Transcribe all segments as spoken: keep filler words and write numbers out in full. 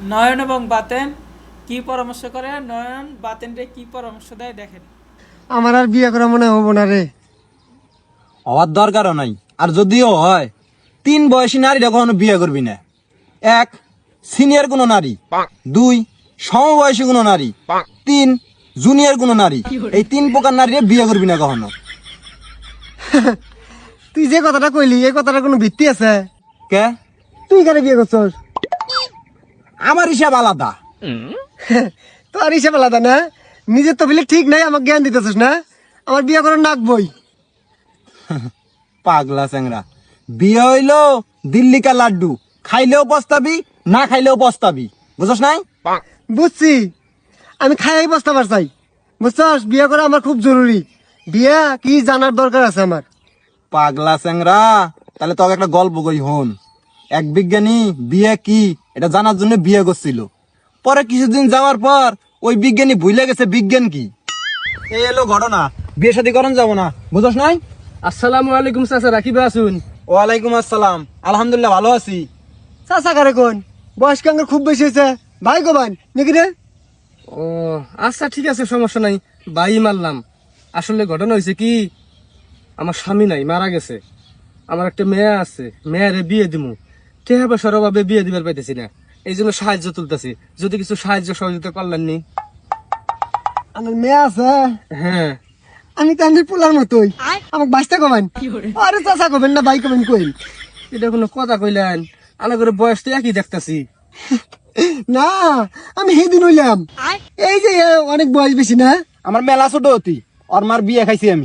নয়ন এবং বাতেন কি পরামর্শ করে, নয়ন বাতেনরে কি পরামর্শ দেয় দেখেন। আমার আর বিয়ে করা মনে হবো না রে। হওয়ার দরকারও নাই। আর যদিও হয়, তিন বয়সী নারীরা কখনো বিয়ে করবি না। এক, সিনিয়র কোনো নারী। দুই, সমবয়সী কোনো নারী। তিন, জুনিয়র কোনো নারী। এই তিন প্রকার নারী বিয়ে করবি না কখনো। তুই যে কথাটা কইলি এই কথাটা কোনো ভিত্তি আছে? কে? তুই কারে বিয়ে করছস? আমার হিসাব আলাদা। তোর হিসাব আলাদা না? নিজের তো বলে ঠিক নাই, আমাকে জ্ঞান দিতেছিস না? আমার বিয়ে করার নাক বই। পাগলা চ্যাংরা, বিয়ে হইলো দিল্লিকা লাড্ডু, খাইলেও পস্তাবি, না খাইলেও পস্তাবি। বুঝছ নাই? বুঝছি, আমি খাই বসতে পারছাই। বুঝছস, বিয়ে করা আমার খুব জরুরি। বিয়ে কি জানার দরকার আছে আমার। পাগলা চ্যাংরা, তাহলে তোকে একটা গল্প কই হন। এক বিজ্ঞানী বিয়ে কি এটা জানার জন্য বিয়ে করছিল। পরে কিছুদিন যাওয়ার পর ওই বিজ্ঞানী ভুলে গেছে বিজ্ঞান কি। এই এলো ঘটনা, বিয়ে শাদী করন যাবো না। বুঝছ নাই? আসসালামু আলাইকুম চাচা, রাখিবে আসুন। ওয়ালাইকুম আসসালাম, আলহামদুলিল্লাহ ভালো আছি। চাচা কারে কোন? বয়স কাঙ্গের খুব বেশি হয়েছে। ভাই গোবান নাকি রে? ও আচ্ছা, ঠিক আছে, সমস্যা নাই, বাই মারলাম। আসলে ঘটনা হয়েছে কি, আমার স্বামী নাই, মারা গেছে। আমার একটা মেয়ে আছে, মেয়েরে বিয়ে দিমু, টেহা পয়সার অভাবে বিয়ে দিবার পাইতেছি না। এই জন্য সাহায্য তুলতেছি, যদি কিছু সাহায্য সহযোগিতা করলেন নি। আমার মেয়ে আছে। হ্যাঁ, আমি তো আমি পোলার মতোই, আমাকে বাঁচতে কবেন? আরে চাচা কবেন না ভাই কবেন কইন? এটা কোনো কথা কইলেন? আনা করে বয়স তো একই দেখতাছি। না, আমি সেদিন হইলাম। এই যে এ অনেক বয়স বেশি না? আমার মেলা ছোট হতি, ওর মার বিয়ে খাইছি আমি।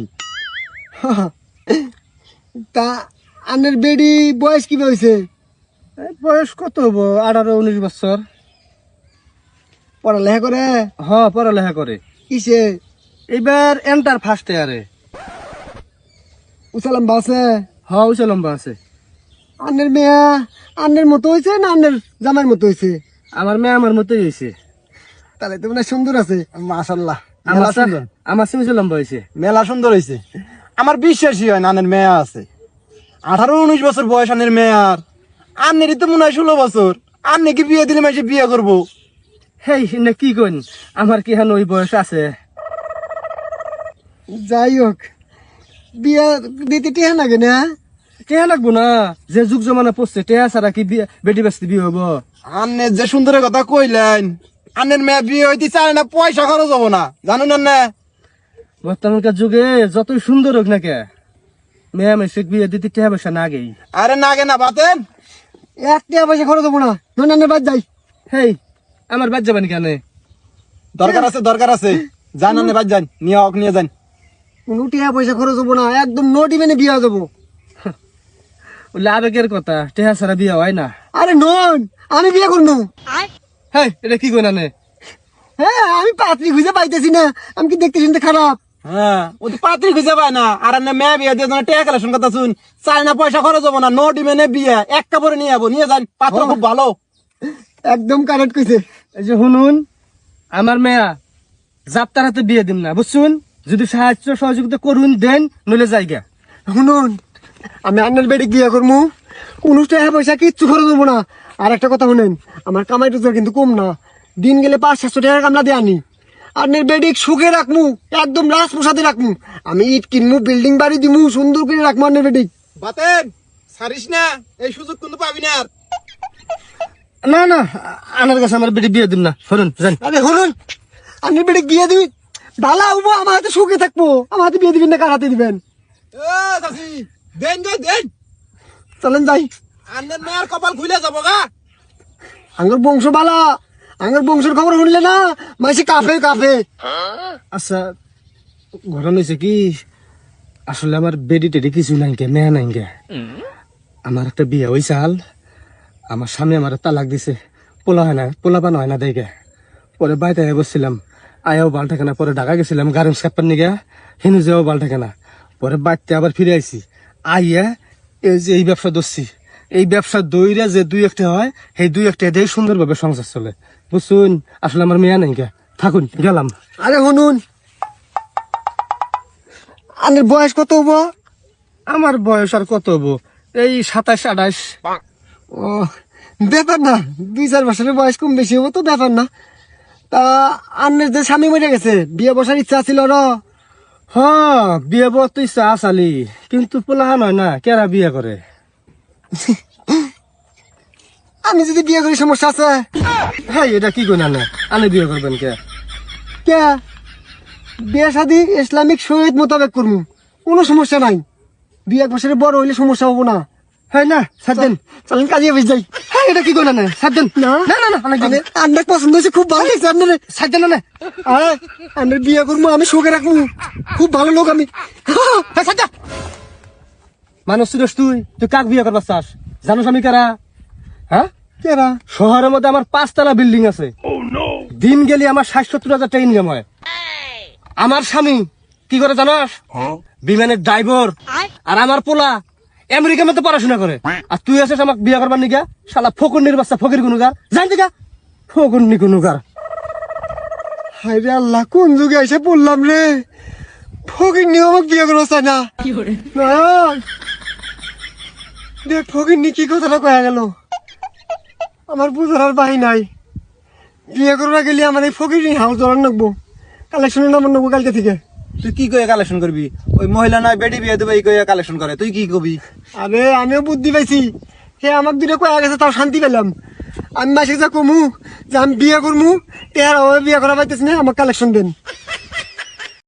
তা আনের বেডি বয়স কি হয়েছে? এই বয়স কত হবো, আঠারো উনিশ বছর। পড়ালেখা করে? হ, পড়ালেখা করে। কিসে? এবার এন্টার ফার্স্ট ইয়ারে। উসালাম বাসে? হ, উঁচা লম্বা আছে। আনের মেয়া আনের মতো হয়েছে না আনের জামাইয়ের মতো হয়েছে? আমার মেয়ে আমার মতোই হয়েছে। তাহলে তো মানে সুন্দর আছে। মাশাল্লাহ, আমার মেলা চা- সুন্দর, আমার চেয়ে উঁচা লম্বা হয়েছে। মেলা সুন্দর হয়েছে। আমার বিশ্বাসই হয় না আনের মেয়ে আছে। আঠারো উনিশ বছর বয়স আনের মেয়ার, আন্নেরই তো মনে হয় ষোলো বছর। আন্নে কি বিয়ে দিলে মাসে বিয়ে করবো? হেই না, কি কইন, আমার কি হান ওই বয়স আছে? যাই হোক, বিয়া দিতে টিহা লাগে না? টেহা লাগবো না, যে যুগ জমানা পড়ছে, টেহা ছাড়া কি বিয়ে বেটি বাস্তি বিয়ে হবো? আন্নের যে সুন্দরের কথা কইলেন, আন্নের মেয়ে বিয়ে হইতে চায় না, পয়সা খরচ হবো না, জানুন না? বর্তমানকার যুগে যতই সুন্দর হোক না কে, মেয়ে মেসে বিয়ে দিতে টেহা পয়সা না আগেই। আরে না গে না বাতেন, এক টিয়া পয়সা খরচ হবো না, নন্দানের বাদ যাই। হেই, আমার বাদ যাবানি কেন? দরকার আছে দরকার আছে, যান আন্নে বাদ যান, নিয়ে হক নিয়ে যান। কোনো টিয়া পয়সা খরচ হবো না, একদম নোটি মেনে বিয়া দেবো। বললে আবেগের কথা, টেহা ছাড়া বিয়ে হয় না। আরে নন, আমি বিয়ে করবো। হেই, এটা কি কইনা নে? হ্যাঁ, আমি পাত্রী খুঁজে পাইতেছি না, আমি কি দেখতে শুনতে খারাপ? হ্যাঁ, ও তো পাত্রী খুঁজে পায় না। আর আন্নে মেয়ে বিয়ে দিয়ে টাকা কালেকশন কথা শুন, চায় না, পয়সা খরচ হবো না, নোট মেনে বিয়ে এক কাপড়ে নিয়ে যাবো, নিয়ে যান, পাত্র খুব ভালো। একদম কারেক্ট কইছে। এই যে শুনুন, আমার মেয়া যাত্রার হাতে বিয়ে দিন না, বুঝছুন? যদি সাহায্য সহযোগিতা করুন দেন, নইলে জায়গা। শুনুন, আমি আন্নার বেড়ে বিয়ে করবো, কোনো টাকা পয়সা কিচ্ছু খরচ হবো না। আর একটা কথা শুনেন, আমার কামাই রোজগার কিন্তু কম না, দিন গেলে পাঁচ সাতশো টাকা কামলা দিয়ে আনি। আন্নের বেডি সুখে রাখমু, একদম রাস প্রসাদে রাখমু। আমি ইট কিনমু, বিল্ডিং বাড়ি দিমু, সুন্দর করে রাখমু আন্নের বেডি। বাতেন সারিস না, এই সুযোগ কিন্তু পাবি না আর। না না, আনার কাছে আমার বেটি বিয়ে দিন না, শুনুন যান। আরে শুনুন, আন্নের বেডি বিয়ে দিবি, ভালো হবো, আমার হাতে সুখে থাকবো। আমার হাতে বিয়ে দিবেন না, কার হাতে দিবেন? এ চাচি, দেন গো দেন, চলেন যাই। আন্নের মেয়ের কপাল খুলে যাবো গা। আঙ্গর বংশ বালা, আঙ্গর বংশের খবর শুনলে না মাসে কাফে কাফে। আচ্ছা, ঘটনা হয়েছে কি, আসলে আমার বেডি টেডি কিছু নাই কে, মেয়া নাই কে। আমার একটা বিয়ে হয়েছে হাল, আমার স্বামী আমার তালাক দিছে, পোলা হয় না, পোলা পান হয় না দেখে। পরে বাইতে বসছিলাম, আয়াও বাল থাকে না, পরে ঢাকা গেছিলাম গার্মেন্টস কাপার নিগে, হিনু যেও বাল থাকে না। পরে বাড়তে আবার ফিরে আইছি, আইয়া এই যে এই ব্যবসা ধরছি। এই ব্যবসা দইরা যে দুই একটা হয়, সেই দুই একটা দিয়ে সুন্দরভাবে সংসার চলে, বুঝছুন? আসলে আমার মেয়া নাই কে, থাকুন গেলাম। আরে শুনুন, আনের বয়স কত হবো? আমার বয়স আর কত হবো, এই সাতাশ আঠাশ। ও, ব্যাপার না, দুই চার বছরের বয়স কম বেশি হবো তো ব্যাপার না। তা আন্নের যে স্বামী মরে গেছে, বিয়ে বসার ইচ্ছা ছিল র। হ্যাঁ বিয়ে বর তো ইচ্ছা আসালি, কিন্তু পোলাহান হয় না, কেরা বিয়ে করে? আমি যদি বিয়ে করি সমস্যা আছে? হ্যাঁ এটা কি কই না না, আনে বিয়ে করবেন কে? কে বিয়ে শাদী ইসলামিক শরীয়ত মোতাবেক করবো, কোনো সমস্যা নাই। দুই এক বছরের বড় হইলে সমস্যা হবো না। হ্যাঁ না সাত দিন, চলেন কাজে অফিস যাই। হ্যাঁ এটা কি কই না না, সাত দিন না না না না অনেক দিন, আন্নার পছন্দ হয়েছে, খুব ভালো লাগছে আপনার। সাত দিন না আন্নার বিয়ে করবো, আমি শোকে রাখবো, খুব ভালো লোক আমি। হ্যাঁ সাত দিন। মানুষ তুই তুই তুই কাক বিয়ে করবার চাস? জানোস আমি কারা? হ্যাঁ কেরা? শহরের মধ্যে আমার পাঁচতলা বিল্ডিং আছে, দিন গেলে আমার ষাট সত্তর হাজার টাকা ইনকাম হয়। আমার স্বামী কি করে জানাস? বিমানের ড্রাইভার। আর আমার পোলা আমেরিকার মধ্যে পড়াশোনা করে। আর তুই আছিস আমাকে বিয়ে করবার নিকা? শালা ফকুন্নির বাচ্চা, ফকির গুনুগার, জানতি কা ফকুন্নি গুনুগার। হায় রে আল্লাহ, কোন যুগে এসে পড়লাম রে। ফকির নিয়ে আমাকে বিয়ে করবো চাই না। না, দেখ ফকির নি কি কথাটা কয়া গেল, আমার বুঝার আর বাহি নাই। বিয়ে করবা গেলে আমার এই ফকির নিয়ে হাউস ধরার নাকবো, কালেকশনের নাম্বার নেবো কালকে থেকে। তুই কি কয়ে কালেকশন করবি? ওই মহিলা নয় বেডি বিয়ে দেবে এই কয়ে কালেকশন করে, তুই কি কবি? আরে আমিও বুদ্ধি পাইছি, হে আমাকে দুটো কয়া গেছে, তাও শান্তি পেলাম। আমি মাসে যা কমু যে আমি বিয়ে করমু, টেহার বিয়ে করা পাইতেছি না, আমার কালেকশন দেন।